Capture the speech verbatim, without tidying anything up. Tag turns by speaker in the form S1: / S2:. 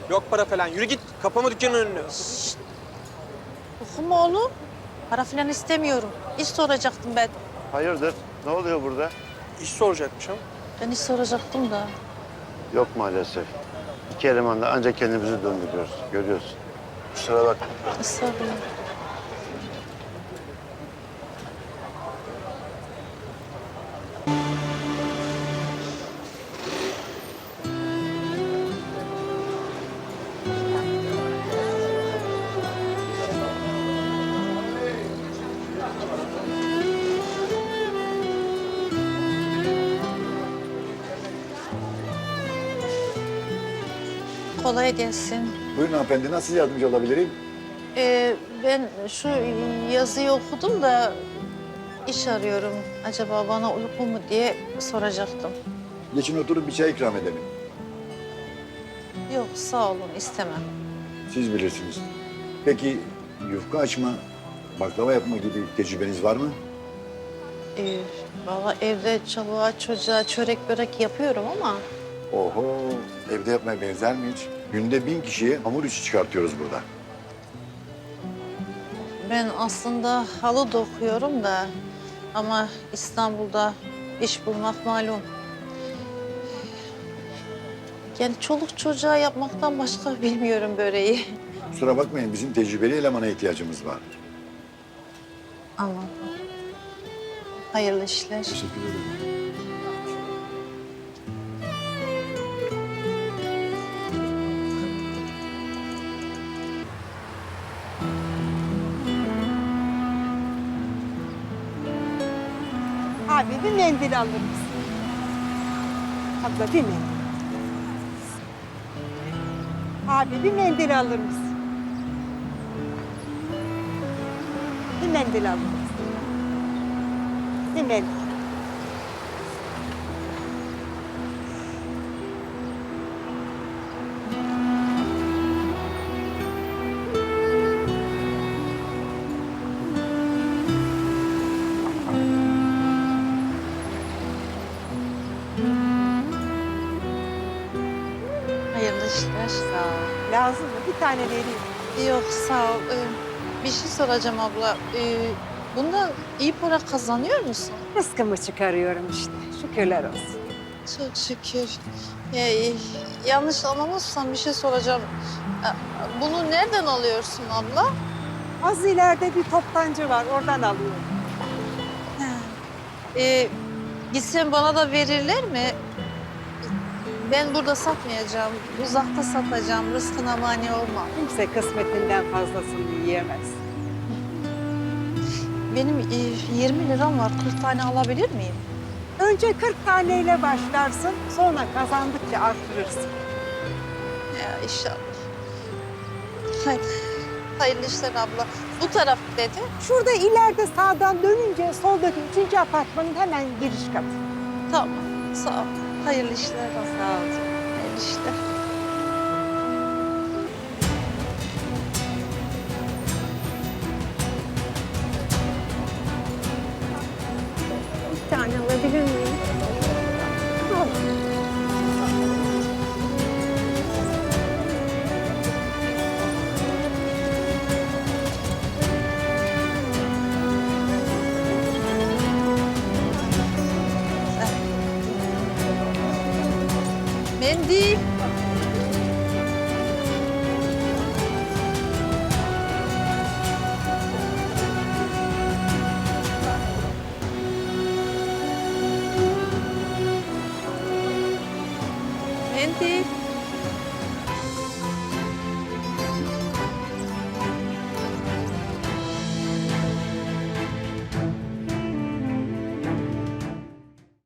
S1: Yok para falan. Yürü git. Kapama dükkanın önünü.
S2: Okuma oğlum. Para falan istemiyorum. İş soracaktım ben.
S3: Hayırdır? Ne oluyor burada?
S1: İş soracakmış ama.
S2: Ben iş soracaktım da.
S3: Yok maalesef. İki elemanla ancak kendimizi döndürüyoruz. Görüyorsun. Kusura bakma.
S2: Estağfurullah. Kolay gelsin.
S4: Buyurun hanımefendi, nasıl yardımcı olabilirim?
S2: Ee, ben şu yazıyı okudum da iş arıyorum. Acaba bana uygun mu diye soracaktım.
S4: Geçin oturup bir çay ikram edelim.
S2: Yok sağ olun istemem.
S4: Siz bilirsiniz. Peki yufka açma, baklava yapma gibi tecrübeniz var mı?
S2: Ee, Valla evde çoluğa çocuğa çörek börek yapıyorum ama...
S4: Oho, evde yapmaya benzer mi hiç? Günde bin kişiye hamur işi çıkartıyoruz burada.
S2: Ben aslında halı dokuyorum da ama İstanbul'da iş bulmak malum. Yani çoluk çocuğa yapmaktan başka bilmiyorum böreği.
S4: Kusura bakmayın, bizim tecrübeli elemana ihtiyacımız var.
S2: Anladım. Hayırlı işler.
S4: Teşekkür ederim.
S5: Abi bir mendil alır mısın? Abla bir mendil. Abi bir mendil alır mısın? Bir mendil alır mısın? Bir mendil.
S2: Hayırlı işler. Sağ ol.
S5: Lazım mı? Bir tane vereyim.
S2: Yok sağ ol. Ee, bir şey soracağım abla. Ee, bundan iyi para kazanıyor musun?
S5: Rızkımı çıkarıyorum işte. Şükürler olsun.
S2: Çok şükür. Ya, e, yanlış anlamazsan bir şey soracağım. Ee, Bunu nereden alıyorsun abla?
S5: Az ileride bir toptancı var. Oradan alıyorum.
S2: Ee, Gitsem bana da verirler mi? Ben burada satmayacağım. Uzakta satacağım. Rızkına mani olma.
S5: Kimse kısmetinden fazlasını yiyemez.
S2: Benim e, yirmi liram var. kırk tane alabilir miyim?
S5: Önce kırk taneyle başlarsın. Sonra kazandıkça artırırsın.
S2: Ya inşallah. Hayır. Hayırlı işler abla. Bu taraf dedi.
S5: Şurada ileride sağdan dönünce soldaki üçüncü apartmanın hemen giriş katı.
S2: Tamam. Sağ ol. Hayırlı işler abla.
S5: Sağ ol.
S2: Hayırlı işler.
S5: Bir tane alabilir miyim? Al.
S2: Mendil. Mendil.